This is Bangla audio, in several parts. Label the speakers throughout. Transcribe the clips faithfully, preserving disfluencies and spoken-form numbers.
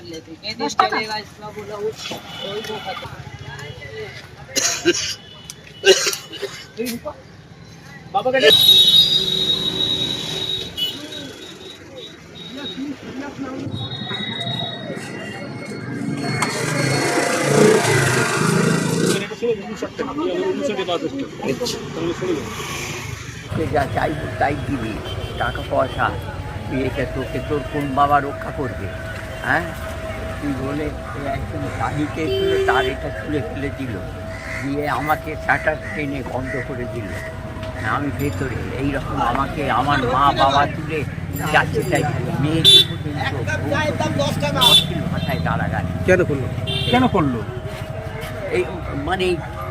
Speaker 1: लेते के दिन चलेगा इसका बोला वो कोई वो खत्म बाबा का
Speaker 2: যা চাইবো তাই দিবি, টাকা পয়সা বিয়েটা তোকে তোর কোন বাবা রক্ষা করবে? হ্যাঁ, তুই বলে একজন শাহিকে তুলে তার এটা তুলে ফেলে দিল, দিয়ে আমাকে শাটার টেনে বন্ধ করে দিল। আমি ভেতরে এইরকম আমাকে আমার মা বাবা তুলে যাচ্ছে তাই মেয়েকে পর্যন্ত ভাষায় দাঁড়াগানি
Speaker 3: কেন করলো কেন করলো
Speaker 2: এই মানে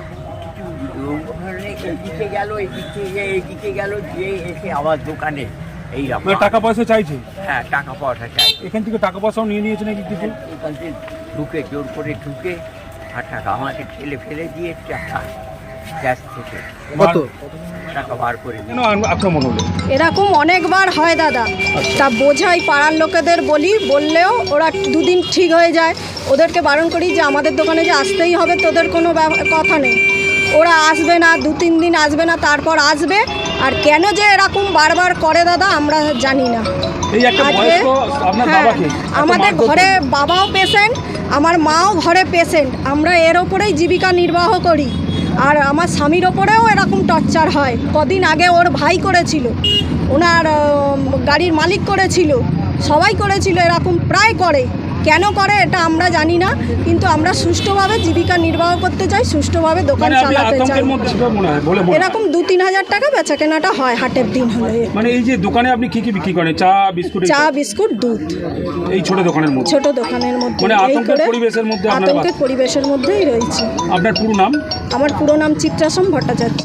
Speaker 2: এদিকে গেল এদিকে এদিকে গেল গিয়ে এসে আমার দোকানে এইরকম
Speaker 3: টাকা পয়সা চাইছে।
Speaker 2: হ্যাঁ, টাকা পয়সা চাই।
Speaker 3: এখান থেকে টাকা পয়সাও নিয়ে নিয়েছে নাকি কিছু?
Speaker 2: এখান থেকে ঢুকে জোর করে ঢুকে আর টাকা আমাকে ঠেলে ফেলে দিয়ে টাকা ক্যাশ থেকে
Speaker 3: কত
Speaker 2: টাকা বার করে
Speaker 3: কেন আক্রমণ হলো?
Speaker 4: এরকম অনেকবার হয় দাদা, তা বোঝাই পাড়ার লোকেদের বলি, বললেও ওরা দুদিন ঠিক হয়ে যায়। ওদেরকে বারণ করি যে আমাদের দোকানে যে আসতেই হবে, তোদের কোনো কথা নেই। ওরা আসবে না, দু তিন দিন আসবে না, তারপর আসবে। আর কেন যে এরকম বারবার করে দাদা আমরা জানি না। আজকে হ্যাঁ, আমাদের ঘরে বাবাও পেশেন্ট, আমার মাও ঘরে পেশেন্ট, আমরা এর ওপরেই জীবিকা নির্বাহ করি। আর আমার স্বামীর ওপরেও এরকম টর্চার হয়। কদিন আগে ওর ভাই করেছিল, ওনার গাড়ির মালিক করেছিল, সবাই করেছিল, এরকম প্রায় করে। কেন করে এটা আমরা জানি না, কিন্তু আমরা সুষ্ঠুভাবে জীবিকা নির্বাহ করতে চাই, সুষ্ঠুভাবে দোকান চালাতে চাই। এরকম দু তিন হাজার টাকা বেচা কেনাটা হয় হাটের দিন হলে।
Speaker 3: মানে এই যে দোকানে আপনি কি কি বিক্রি করেন? চা বিস্কুট?
Speaker 4: চা বিস্কুট দুধ
Speaker 3: এই ছোট দোকানের মধ্যে?
Speaker 4: ছোট দোকানের মধ্যে,
Speaker 3: মানে আতঙ্কের পরিবেশের মধ্যে?
Speaker 4: আতঙ্কের পরিবেশের মধ্যেই রয়েছে।
Speaker 3: আপনার পুরো নাম?
Speaker 4: আমার পুরো নাম চিত্রাসম ভট্টাচার্য।